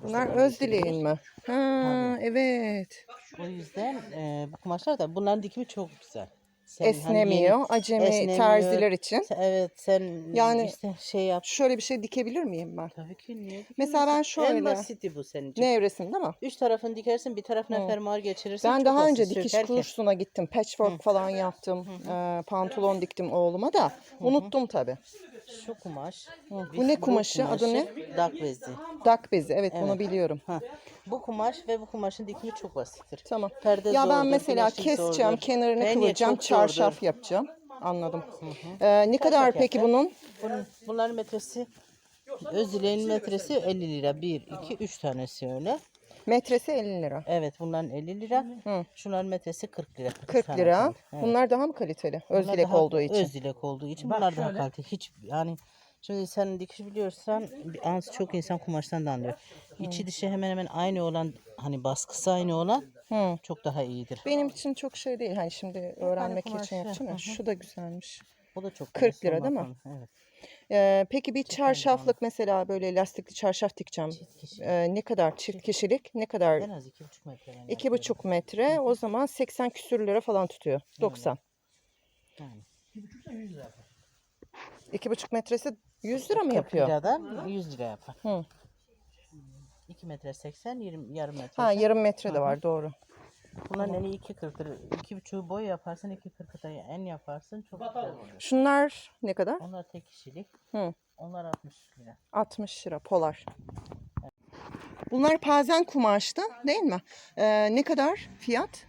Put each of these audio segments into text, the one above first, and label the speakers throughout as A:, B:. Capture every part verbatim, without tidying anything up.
A: Bunlar öz dileğin mi? Ha,
B: Tabii.
A: evet.
B: O yüzden e, bu kumaşlar da bunların dikimi çok güzel. Sen
A: Esnemiyor.
B: hani yeni
A: Acemi
B: esnemiyor.
A: terziler için.
B: Sen- Evet sen
A: Yani
B: işte şey yap.
A: şöyle bir şey dikebilir miyim ben?
B: Tabii ki niye
A: Mesela ben
B: dikemiyorsun? En
A: şöyle.
B: basiti bu senin için.
A: Nevresim değil mi?
B: Üç tarafını dikersin, bir tarafına
A: Hı.
B: fermuar geçirirsin.
A: Ben
B: Çok
A: daha
B: basit
A: önce dikiş
B: sökerken.
A: kursuna gittim. Patchwork falan yaptım. Ee, pantolon diktim oğluma da. Unuttum tabii.
B: Şu kumaş.
A: Bu ne kumaşı? Adı ne?
B: Dak bezi.
A: Dak bezi. Evet, bunu
B: Evet.
A: biliyorum.
B: Ha. Bu kumaş ve bu kumaşın dikimi çok basittir.
A: Tamam.
B: Perde
A: Ya ben
B: zordur,
A: mesela
B: güneşlik
A: keseceğim,
B: zordur.
A: kenarını
B: Penye
A: kıvıracağım,
B: çok zordur.
A: çarşaf yapacağım. Anladım. Ee, ne kadar
B: Çarşaf
A: peki
B: yapacağım.
A: bunun?
B: Bunun, bunların metresi, öz dileğin metresi elli lira. bir, iki, üç tanesi öyle.
A: Metresi elli lira.
B: Evet, bunların elli lira.
A: Hı.
B: Şunların metresi kırk lira. Üç
A: kırk
B: tane
A: lira.
B: kaldı. Evet.
A: Bunlar daha mı kaliteli? Öz
B: Bunlar
A: dilek
B: daha
A: olduğu için.
B: Öz dilek olduğu için bunlar daha kaliteli. Hiç yani şimdi sen dikiş biliyorsan bir az çok insan kumaştan da anlıyor. İçi dışı hemen hemen aynı olan, hani baskısı aynı olan
A: Hı.
B: çok daha iyidir.
A: Benim için çok şey değil. Hani şimdi öğrenmek
B: kumaş,
A: için yapacağım ya.
B: hı hı.
A: Şu da güzelmiş.
B: O da çok
A: kırk
B: güzel,
A: lira
B: sorma
A: değil mi?
B: konu. Evet.
A: Ee, peki bir
B: Çift aynı
A: çarşaflık mesela böyle lastikli çarşaf dikeceğim.
B: Çift kişi.
A: Ee, ne kadar çift kişilik? Ne kadar?
B: En az iki buçuk metre ben
A: iki
B: yapıyorum.
A: buçuk metre. O zaman seksen küsür lira falan tutuyor. doksan.
B: Yani.
A: iki buçuk metresi yüz lira mı
B: kırk
A: yapıyor?
B: liradan yüz lira yapar.
A: Hı.
B: iki metre seksen, yirmi, yarım metre.
A: Ha, yarım metre de
B: Hı hı.
A: var, doğru.
B: Bunların eni iki kırktır. iki buçuğu boy yaparsın, iki kırkı da en yaparsın. Çok güzel olur.
A: Şunlar ne kadar?
B: Onlar tek kişilik.
A: Hı.
B: Onlar altmış lira.
A: altmış lira polar. Bunlar pazen kumaşta değil mi? Ee, ne kadar fiyat?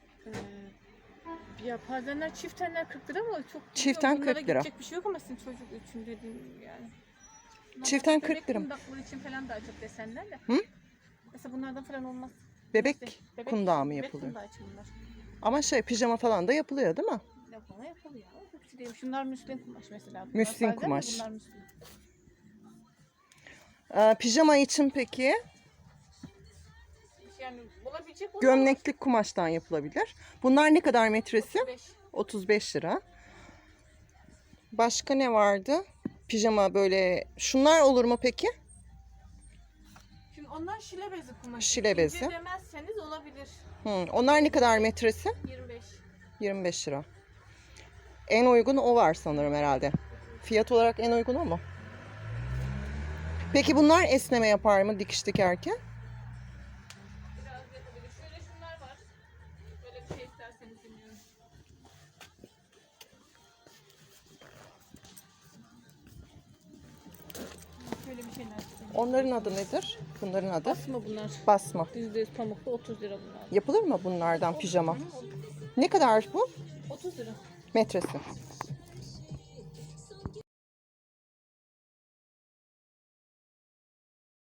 C: Ya pazenler çiftenler kırk lira mı? Çok
A: Çiften
C: bilmiyorum.
A: kırk lira.
C: Bunlara gidecek bir şey yok ama sizin çocuk için dediğim yani. Bunlar
A: Çiften
C: bebek
A: kırk lira mı?
C: kundakları için falan daha çok desenler de.
A: Hı?
C: Mesela bunlardan falan olmaz.
A: Bebek
C: Bebek-
A: kundağı mı
C: bebek
A: yapılıyor?
C: kundağı için bunlar.
A: Ama şey, pijama falan da yapılıyor değil mi?
C: Yapılma yapılıyor. Hepsi değil. Şunlar müslin kumaş mesela. Bunlar
A: Müslin
C: pazen de
A: kumaş.
C: Bunlar müslin.
A: Ee, pijama için peki
C: Yani olabilecek olan
A: gömleklik kumaştan yapılabilir. Bunlar ne kadar metresi?
C: beş.
A: otuz beş lira. Başka ne vardı? Pijama böyle. Şunlar olur mu peki?
C: Şimdi onlar şile bezi kumaşı.
A: Şile bezi.
C: İnce demezseniz olabilir.
A: Hı, onlar ne kadar metresi?
C: yirmi beş.
A: yirmi beş lira. En uygun o var sanırım herhalde. Fiyat olarak en uygun o mu? Peki bunlar esneme yapar mı dikiş dikerken?
C: Biraz yapabilir. Şöyle şunlar var. Böyle bir şey isterseniz bilmiyorum. Şöyle bir şeyler istedim.
A: Onların adı nedir? Bunların adı?
C: Basma bunlar.
A: Basma.
C: yüzde yüz pamuklu otuz lira bunlar.
A: Yapılır mı bunlardan pijama? Ne kadar bu?
C: otuz lira.
A: Metresi.